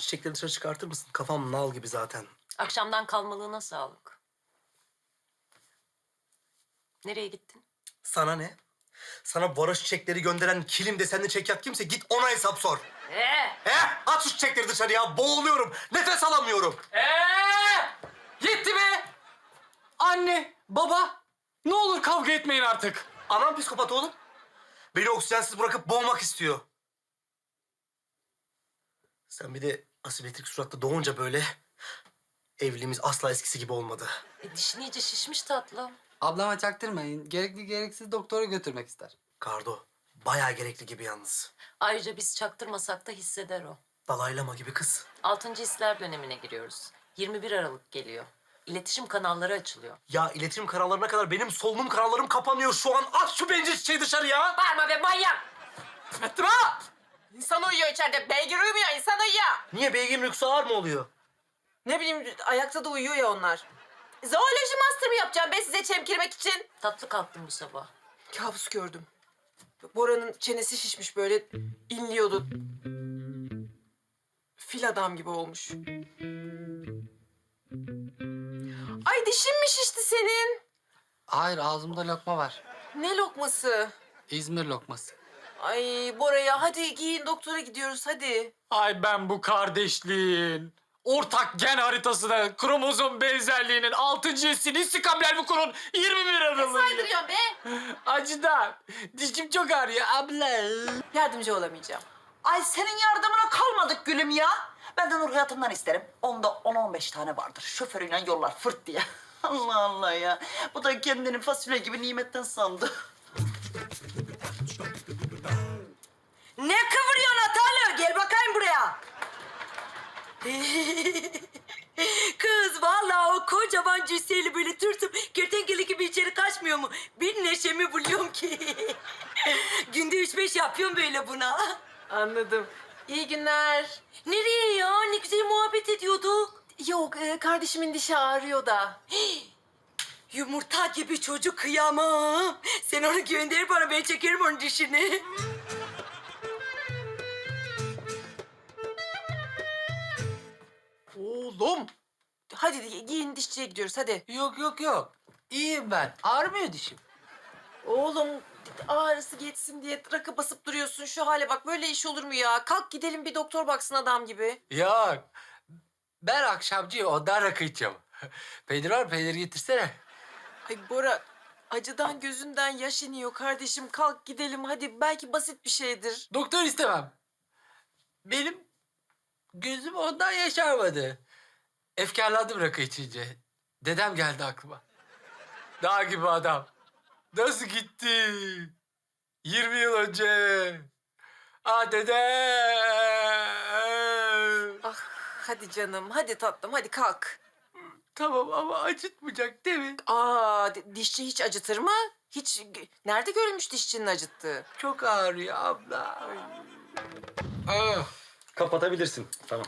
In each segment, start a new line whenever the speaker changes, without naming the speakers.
çiçekleri dışarı çıkartır mısın? Kafam nal gibi zaten.
Akşamdan kalmalığına sağlık. Nereye gittin?
Sana ne? Sana varoş çiçekleri gönderen kilim desenli çekyat kimse git ona hesap sor. At şu çiçekleri dışarıya. Boğuluyorum. Nefes alamıyorum.
Yetti be! Anne, baba, ne olur kavga etmeyin artık.
Anam psikopat oğlum. Beni oksijensiz bırakıp boğmak istiyor. Sen bir de asimetrik suratla doğunca böyle... Evliliğimiz asla eskisi gibi olmadı.
Dişin iyice şişmiş tatlım.
Ablama çaktırmayın. Gerekli gereksiz doktora götürmek ister.
Kardo, bayağı gerekli gibi yalnız.
Ayrıca biz çaktırmasak da hisseder o.
Dalaylama gibi kız.
6. hisler dönemine giriyoruz. 21 Aralık geliyor. İletişim kanalları açılıyor.
Ya iletişim kanallarına kadar benim solunum kanallarım kapanıyor şu an. At şu bencil çiçeği dışarıya.
Bağırma be manyak!
Metra! İnsan uyuyor içeride. Beygir uyumuyor, insan uyuyor.
Niye beygirin uykusu ağır mı oluyor?
Ne bileyim, ayakta da uyuyor ya onlar. Zooloji master mı yapacağım ben size çemkirmek için?
Tatlı kalktım bu sabah.
Kabus gördüm. Bora'nın çenesi şişmiş böyle, inliyordu. Fil adam gibi olmuş. Ay dişin mi şişti senin?
Hayır, ağzımda lokma var.
Ne lokması?
İzmir lokması.
Ay Bora'ya hadi giyin doktora gidiyoruz hadi.
Ay ben bu kardeşliğin, ortak gen haritasına, kromozom benzerliğinin 6. hissini istikamler bu kurun 21 Aralık'ı.
Saydırıyorsun be.
Acıdan. Dişim çok ağrıyor abla.
Yardımcı olamayacağım.
Ay senin yardımına kalmadık gülüm ya. Ben de Nur Hayatım'dan isterim. Onda 10-15 tane vardır. Şoförüyle yollar fırt diye. Allah Allah ya. Bu da kendini fasulye gibi nimetten sandı.
Ne kıvırıyorsun Atalı? Gel bakayım buraya. Kız vallahi o kocaman cüsseli böyle tırsıp kertenkele gibi içeri kaçmıyor mu? Bir neşemi buluyorum ki. Günde 3-5 yapıyorum böyle buna.
Anladım. İyi günler.
Nereye ya? Ne güzel muhabbet ediyorduk.
Yok, kardeşimin dişi ağrıyor da.
Yumurta gibi çocuk kıyamam. Sen onu gönder bana, ben çekerim onun dişini.
Oğlum.
Hadi giyin, dişçiye gidiyoruz hadi.
Yok. İyiyim ben. Ağrımıyor dişim.
Oğlum ağrısı geçsin diye rakı basıp duruyorsun. Şu hale bak, böyle iş olur mu ya? Kalk gidelim bir doktor baksın adam gibi.
Yok. Ben akşamcıyım, ondan rakı içiyorum. Peynir var mı? Peynir getirsene.
Ay Bora, acıdan gözünden yaş iniyor kardeşim. Kalk gidelim hadi, belki basit bir şeydir.
Doktor istemem. Benim gözüm ondan yaşarmadı. Efkarlandım rakı içince. Dedem geldi aklıma. Dağ gibi adam. Nasıl gitti? 20 yıl önce. Ah dede.
Ah hadi canım, hadi tatlım, hadi kalk.
Tamam ama acıtmayacak değil mi?
Aa, dişçi hiç acıtır mı? Hiç, nerede görülmüş dişçinin acıttığı?
Çok ağrıyor abla. Ah.
Kapatabilirsin. Tamam.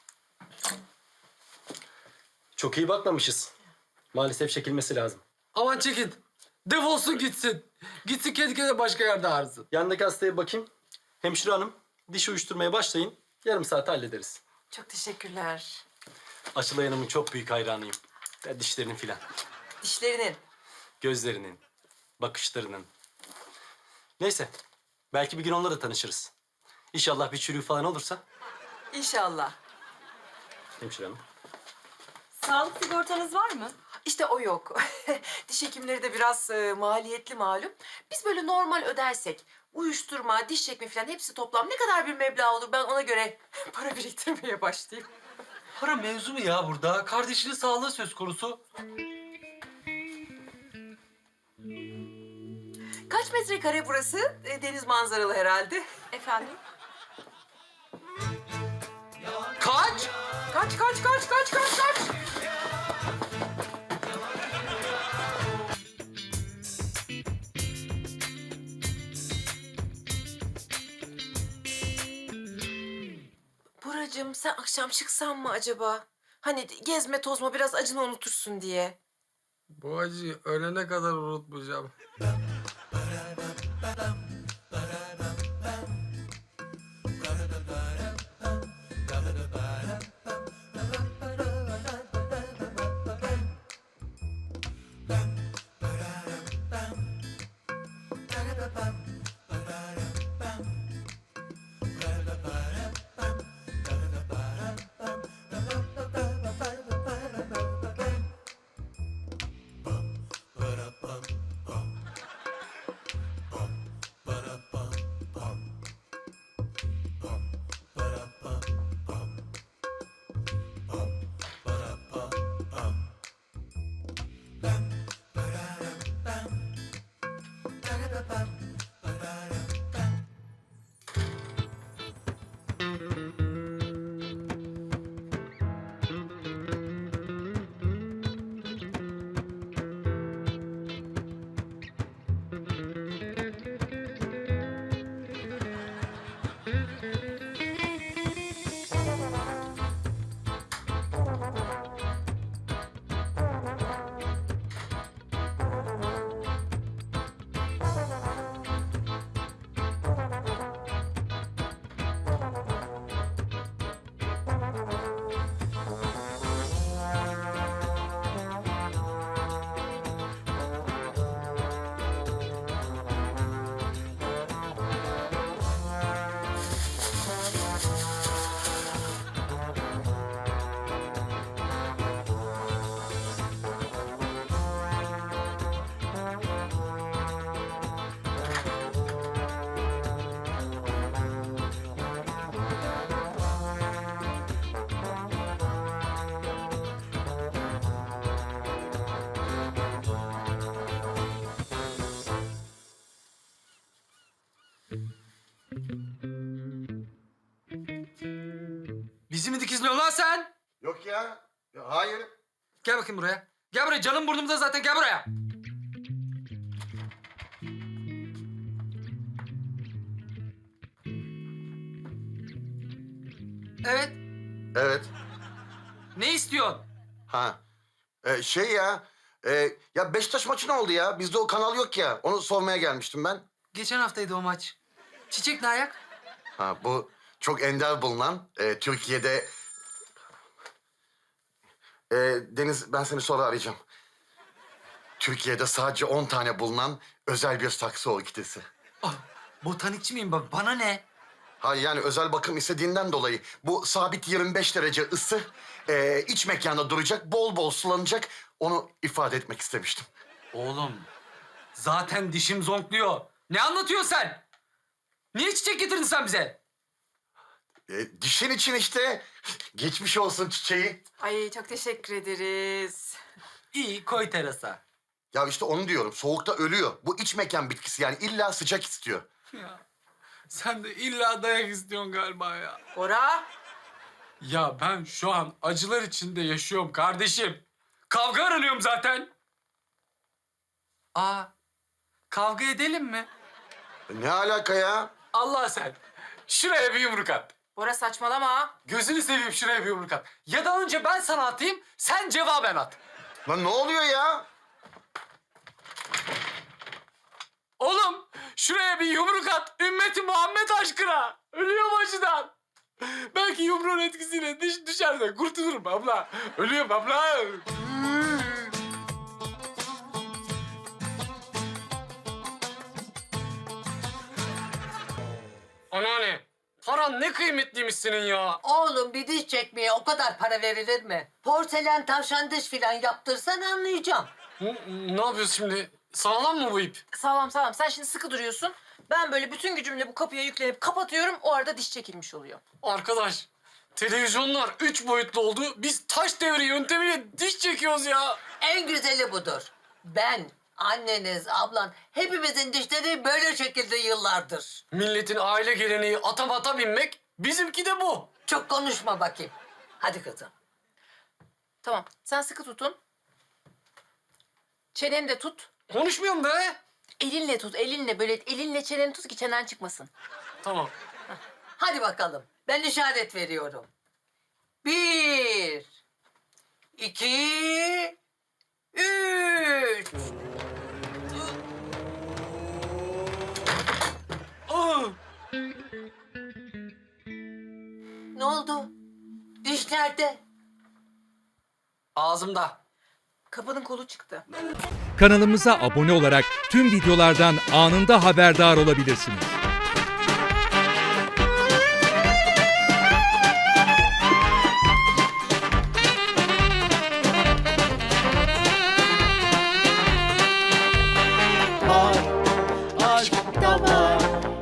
Çok iyi bakmamışız. Maalesef çekilmesi lazım.
Aman çekin. Defolsun gitsin. Gitsin kendi kendine başka yerde ağrısın.
Yandaki hastaya bakayım. Hemşire hanım, diş uyuşturmaya başlayın. Yarım saate hallederiz.
Çok teşekkürler.
Açılay Hanım'ın çok büyük hayranıyım. Ya dişlerinin filan.
Dişlerinin.
Gözlerinin, bakışlarının. Neyse, belki bir gün onunla da tanışırız. İnşallah bir çürüğü falan olursa.
İnşallah.
Hemşire hanım.
Sağlık sigortanız var mı?
İşte o yok. Diş hekimleri de biraz maliyetli malum. Biz böyle normal ödersek, uyuşturma, diş çekme falan hepsi toplam ne kadar bir meblağ olur, ben ona göre para biriktirmeye başlayayım.
Para mevzu mu ya burada? Kardeşinin sağlığı söz konusu.
Kaç metrekare burası? Deniz manzaralı herhalde.
Efendim?
Kaç?
Kaç. Buracığım, sen akşam çıksan mı acaba? Hani gezme tozma, biraz acını unutursun diye.
Bu acıyı ölene kadar unutmayacağım. oluyorsun lan sen?
Yok ya. Hayır.
Gel bakayım buraya. Gel buraya, canım burnumda zaten, gel buraya. Evet.
Evet.
Ne istiyorsun?
Ha. Şey ya. Ya Beşiktaş maçı ne oldu ya? Bizde o kanal yok ya. Onu sormaya gelmiştim ben.
Geçen haftaydı o maç. Çiçek ne ayak?
Ha, bu çok ender bulunan Türkiye'de... Deniz, ben seni sonra arayacağım. Türkiye'de sadece 10 tane bulunan özel bir saksı orkidesi.
Ah, botanikçi miyim ben? Bana ne?
Hayır, yani özel bakım istediğinden dolayı bu sabit 25 derece ısı iç mekanda duracak, bol bol sulanacak. Onu ifade etmek istemiştim.
Oğlum, zaten dişim zonkluyor. Ne anlatıyorsun sen? Niye çiçek getirdin sen bize?
Dişin için işte. Geçmiş olsun çiçeği.
Ay çok teşekkür ederiz.
İyi, koy terasa.
Ya işte onu diyorum. Soğukta ölüyor. Bu iç mekan bitkisi, yani illa sıcak istiyor.
Ya, sen de illa dayak istiyorsun galiba ya.
Bora.
Ya ben şu an acılar içinde yaşıyorum kardeşim. Kavga aranıyorum zaten. Aa, kavga edelim mi?
Ne alaka ya?
Allah sen. Şuraya bir yumruk at.
Bora saçmalama.
Gözünü seveyim, şuraya bir yumruk at. Ya da önce ben sana atayım, sen cevaben at.
Lan ne oluyor ya?
Oğlum, şuraya bir yumruk at. Ümmeti Muhammed aşkına. Ölüyorum acıdan. Belki yumruğun etkisiyle diş düşer de kurtulurum abla. Ölüyorum abla. Anneanne, paran ne kıymetliymiş senin ya.
Oğlum bir diş çekmeye o kadar para verilir mi? Porselen tavşan diş filan yaptırsan anlayacağım.
Ne yapıyorsun şimdi? Sağlam mı bu ip?
Sağlam sağlam. Sen şimdi sıkı duruyorsun. Ben böyle bütün gücümle bu kapıya yüklenip kapatıyorum. O arada diş çekilmiş oluyor.
Arkadaş, televizyonlar 3 boyutlu oldu. Biz taş devri yöntemiyle diş çekiyoruz ya.
En güzeli budur. Ben, anneniz, ablan hepimizin dişleri böyle şekilde yıllardır.
Milletin aile geleneği ata binmek, bizimki de bu.
Çok konuşma bakayım. Hadi kızım.
Tamam. Sen sıkı tutun. Çeneni de tut.
Konuşmuyorum be.
Elinle tut. Elinle böyle elinle çeneni tut ki çenen çıkmasın.
Tamam.
Hadi bakalım. Ben işaret veriyorum. 1, 2, 3.
Aa,
Ne oldu? Diş nerede?
ağzımda.
Kapının kolu çıktı.
Kanalımıza abone olarak tüm videolardan anında haberdar olabilirsiniz.